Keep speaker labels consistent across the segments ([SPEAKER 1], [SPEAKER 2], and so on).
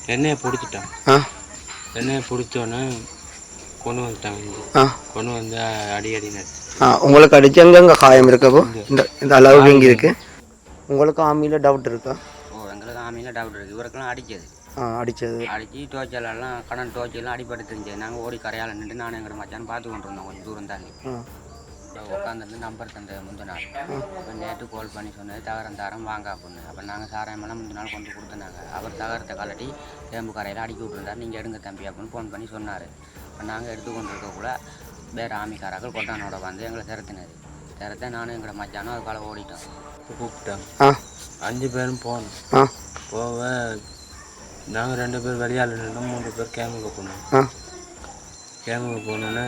[SPEAKER 1] எண்ணெயை பிடிச்சிட்டான். எண்ணெயை பிடிச்சோன்னே கொண்டு வந்துட்டாங்க. கொண்டு வந்து அடி
[SPEAKER 2] உங்களுக்கு அடிச்சு எங்கெங்க காயம் இருக்கப்போ இந்த அளவுக்கு இங்கே இருக்கு. உங்களுக்கு ஆமியில் டவுட் இருக்கா?
[SPEAKER 3] எங்களுக்கு ஆமியில் டவுட் இருக்குது. இவருக்கெல்லாம் அடிச்சது அடித்து டோச்சலெல்லாம் கடன் டோச்செல்லாம் அடிபட்டு இருந்துச்சு. நாங்கள் ஓடி கரையால் நின்று நானும் எங்களோட மச்சான்னு பார்த்து கொண்டு இருந்தோம். கொஞ்சம் தூரம் தாண்டி உட்காந்துருந்து நம்பர் தந்த முந்தின நாள் இப்போ நேற்று கால் பண்ணி சொன்னது தகரம் வாங்க அப்படின்னு. அப்போ நாங்கள் சாராயமெல்லாம் முந்தின நாள் கொண்டு கொடுத்துனாங்க. அவர் தகரத்தை கலட்டி தேம்பு கரையில் அடிக்கி விட்டுருந்தார். நீங்கள் எடுங்க தம்பி அப்படின்னு ஃபோன் பண்ணி சொன்னார். இப்போ நாங்கள் எடுத்து கொண்டு இருக்கக்குள்ள வேறு ஆமிக்காரர்கள் கொட்டானோட வந்து எங்களை திறத்தை நானும் எங்களோட மச்சானும் அதுக்கால ஓடிட்டோம்.
[SPEAKER 1] கூப்பிட்டாங்க. 5 பேரும் போனோம். போக நாங்கள் 2 பேர் வெளியால் நின்று 3 பேர் கேமுக்கு போனோம். கேமுக்கு போனோன்னே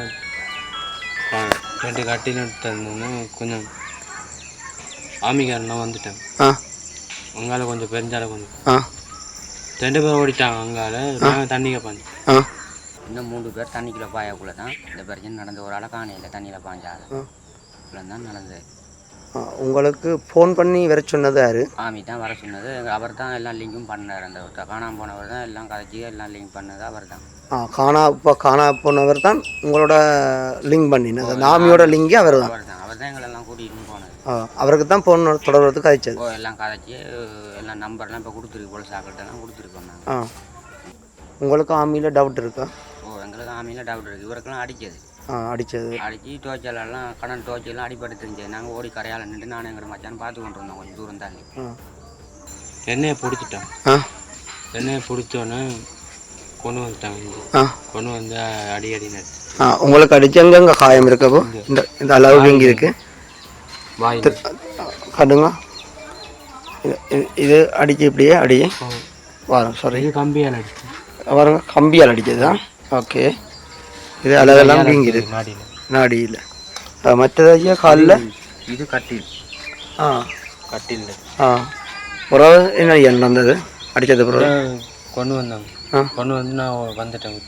[SPEAKER 1] 2 கட்டின்னு தந்தோன்னே கொஞ்சம் ஆமிக்காரெல்லாம் வந்துட்டாங்க. அங்கால கொஞ்சம் பெருஞ்சால கொஞ்சம் 2 பேர் ஓடிட்டாங்க. அங்கால நாங்கள் தண்ணிக்கு பாஞ்சோம்.
[SPEAKER 3] இன்னும் 3 பேர் தண்ணிக்குள்ளே பாயக்குள்ளே தான் இந்த பிரச்சனை நடந்த. ஒரு ஆளை காணையில் தண்ணியில் பாஞ்சாது இவ்வளோ தான் நடந்தது.
[SPEAKER 2] உங்களுக்கு ஃபோன் பண்ணி வர சொன்னது யார்?
[SPEAKER 3] ஆமி தான் வர சொன்னது. அவர் தான் எல்லாம் லிங்கும் பண்ணார். அந்த காணாமல் போனவர் தான் எல்லாம் கதைச்சி எல்லாம் லிங்க் பண்ணது அவர் தான்.
[SPEAKER 2] காணா போனவர் தான் உங்களோட லிங்க் பண்ணினது. ஆமியோட லிங்கே அவர் தான்.
[SPEAKER 3] அவர் தான் எங்களெல்லாம் கூட்டிகிட்டு போனது.
[SPEAKER 2] அவருக்கு தான் ஃபோன் தொடர்றதுக்கு கதைச்சது.
[SPEAKER 3] எல்லாம் கதைச்சி எல்லாம் நம்பர்லாம் இப்போ கொடுத்துருக்கு. போல சாக்கிட்டெல்லாம் கொடுத்துருக்கோம் நாங்கள்.
[SPEAKER 2] உங்களுக்கு ஆமியில் டவுட் இருக்கா?
[SPEAKER 3] எங்களுக்கு ஆமியில் டவுட் இருக்குது. இவருக்கெல்லாம் அடித்து டோச்சலெல்லாம் கடன் டோச்செல்லாம் அடிபட்டு இருந்துச்சு. நாங்கள் ஓடி கரையால் நின்று நானும் எங்களோட மச்சான்னு பார்த்து கொண்டு இருந்தோம். கொஞ்சம் தூரம் தாண்டி
[SPEAKER 1] எண்ணெயை பிடிச்சிட்டான். எண்ணெயை பிடிச்சோன்னே கொண்டு வந்துட்டாங்க. கொண்டு வந்து அடி
[SPEAKER 2] உங்களுக்கு அடிச்சு எங்கெங்க காயம் இருக்கப்போ இந்த அளவுக்கு இங்கே இருக்கு. கடுங்க இது அடிச்சு இப்படியே அடியே வரும். சாரி,
[SPEAKER 1] கம்பியால் அடிச்சு
[SPEAKER 2] வருங்க. கம்பியால் அடிச்சது தான். ஓகே. இது அழகெல்லாம் வீங்கிது நாடியில். மற்றதாச்சியா காலில்
[SPEAKER 1] இது கட்டில். கட்டில்
[SPEAKER 2] பிறகு என்ன நடந்தது? அடித்தது பிறகு
[SPEAKER 1] கொண்டு வந்தாங்க. கொண்டு வந்து நான் வந்துட்டேன்.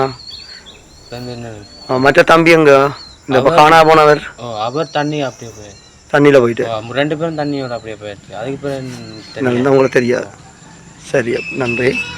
[SPEAKER 2] மற்ற தம்பி எங்க இந்த காணா போனவர்?
[SPEAKER 1] அவர் தண்ணி அப்படியே போயிடுச்சு.
[SPEAKER 2] தண்ணியில் போயிட்டு
[SPEAKER 1] 2 பேரும் தண்ணியோட அப்படியே போயிடுச்சு. அதுக்கு பிறகு
[SPEAKER 2] உங்களுக்கு தெரியாது. சரி, நன்றி.